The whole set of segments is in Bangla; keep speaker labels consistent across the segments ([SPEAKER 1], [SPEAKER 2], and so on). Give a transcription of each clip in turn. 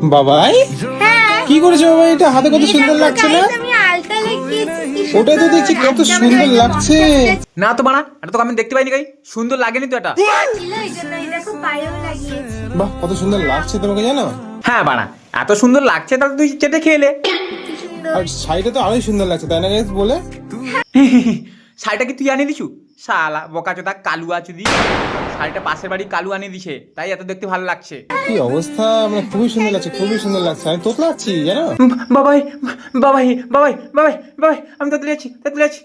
[SPEAKER 1] বাবাই
[SPEAKER 2] হ্যাঁ
[SPEAKER 1] কি করেছো বাবা? এটা হাতে কত সুন্দর
[SPEAKER 2] দেখো
[SPEAKER 1] লাগছে না?
[SPEAKER 2] guys, আমি আলতা লাগিয়েছি।
[SPEAKER 1] ওটা তো দেখছি কত সুন্দর লাগছে।
[SPEAKER 3] না তো বানা, এটা তো আমি দেখতে পাইনি গাই, সুন্দর লাগেনি তো এটা।
[SPEAKER 2] ছিল এই জন্য এই দেখো পায়েও লাগিয়েছি।
[SPEAKER 1] বাহ কত সুন্দর লাগছে তোমাকে জানো।
[SPEAKER 3] হ্যাঁ বানা, এত সুন্দর লাগছে তাহলে তুই চেটে খেলে।
[SPEAKER 2] কি সুন্দর।
[SPEAKER 1] আর শাড়িটা তো আরোই সুন্দর লাগছে তাই না গাইস বলে?
[SPEAKER 3] শাড়িটা কি তুই আনিয়ে দিছু? শালা বোকাচোদা কালুয়া চুদি, শাড়িটা পাশের বাড়ি কালু আনিয়ে দিছে, তাই এত দেখতে ভালো লাগছে।
[SPEAKER 1] কি অবস্থা, মানে খুবই সুন্দর লাগছে, খুবই সুন্দর লাগছে। আমি তোতলা আছি জানো।
[SPEAKER 3] বাবাই বাবাই বাবাই বাবাই বাবাই, আমি তো তুলে আছি, তুলে আছি।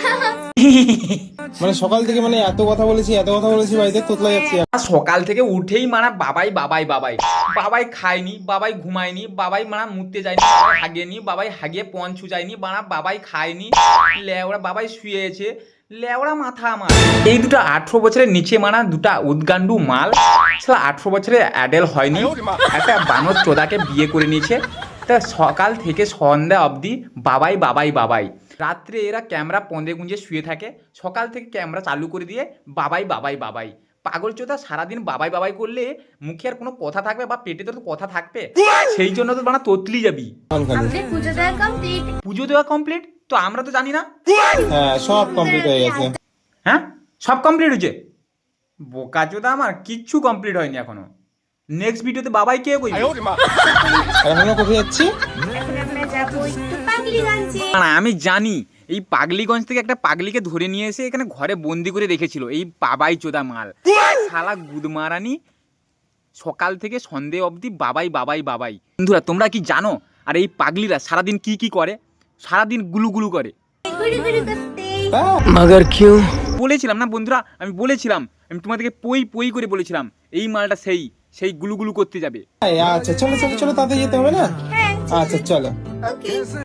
[SPEAKER 1] মানে সকাল থেকে মানে এত কথা বলেছি, এত কথা বলেছি বাড়িতে, তোতলা যাচ্ছি।
[SPEAKER 3] সকাল থেকে উঠেই মানা বাবাই বাবাই বাবাই বাবাই, খায়নি বাবাই, ঘুমায়নি বাবাই, মানা মুততে যায়নি বাবাই, হাগেনি বাবাই, হাগিয়ে পঞ্চু যায়নি মানা বাবাই, খায়নি লেওড়া বাবাই, শুয়েছে লেওড়া মাথা আমার। এই দুটো 18 বছরের নিচে মানা দুটা উদ্গান্ডু মাল, সালা 18 বছরে অ্যাডেল হয়নি, একটা বানর চোদাকে বিয়ে করে নিয়েছে। তা সকাল থেকে সন্ধ্যা অবধি বাবাই বাবাই বাবাই। রাত্রে এরা ক্যামেরা পন্দে গুঁজে শুয়ে থাকে, সকাল থেকে ক্যামেরা চালু করে দিয়ে বাবাই বাবাই বাবাই। পাগল চোদা, সারাদিন বাবাই বাবাই করলে মুখে আর কোনো কথা থাকবে বা পেটে তো কথা থাকবে? সেই জন্য তো বানা তোতলি যাবি।
[SPEAKER 2] আমাদের পুজো দেওয়া কমপ্লিট।
[SPEAKER 3] পুজো দেওয়া কমপ্লিট তো আমরা তো জানি না।
[SPEAKER 1] হ্যাঁ সব কমপ্লিট হয়ে গেছে।
[SPEAKER 3] হ্যাঁ সব কমপ্লিট হয়েছে? বোকা চোদা, আমার কিচ্ছু কমপ্লিট হয়নি এখনো। নেক্সট ভিডিওতে বাবাই কে কইবে?
[SPEAKER 1] আর এখনো কোথায় যাচ্ছি?
[SPEAKER 2] এখন আমরা যাবো একটু পাগলিগঞ্জে।
[SPEAKER 3] না আমি জানি, এই পাগলিগঞ্জ থেকে একটা পাগলিকে ধরে নিয়ে এসে এখানে ঘরে বন্দি করে রেখেছিল এই বাবাই চোদা মাল, শালা গুদমারানি। সকাল থেকে সন্ধে অবধি বাবাই বাবাই বাবাই। বন্ধুরা তোমরা কি জানো, আর এই পাগলিরা সারাদিন কি কি করে? সারাদিন গুলু গুলু করে।
[SPEAKER 2] ঘুরি ঘুরি করতে।
[SPEAKER 1] মগর কিউ?
[SPEAKER 3] বলেছিলাম না বন্ধুরা, আমি বলেছিলাম, আমি তোমাদেরকে পই পই করে বলেছিলাম এই মালটা সেই সেই গুলু গুলু করতে যাবে।
[SPEAKER 1] আচ্ছা চলো চলো চলো, তাতে যেতে হবে না?
[SPEAKER 2] হ্যাঁ
[SPEAKER 1] আচ্ছা চলো।
[SPEAKER 2] ওকে।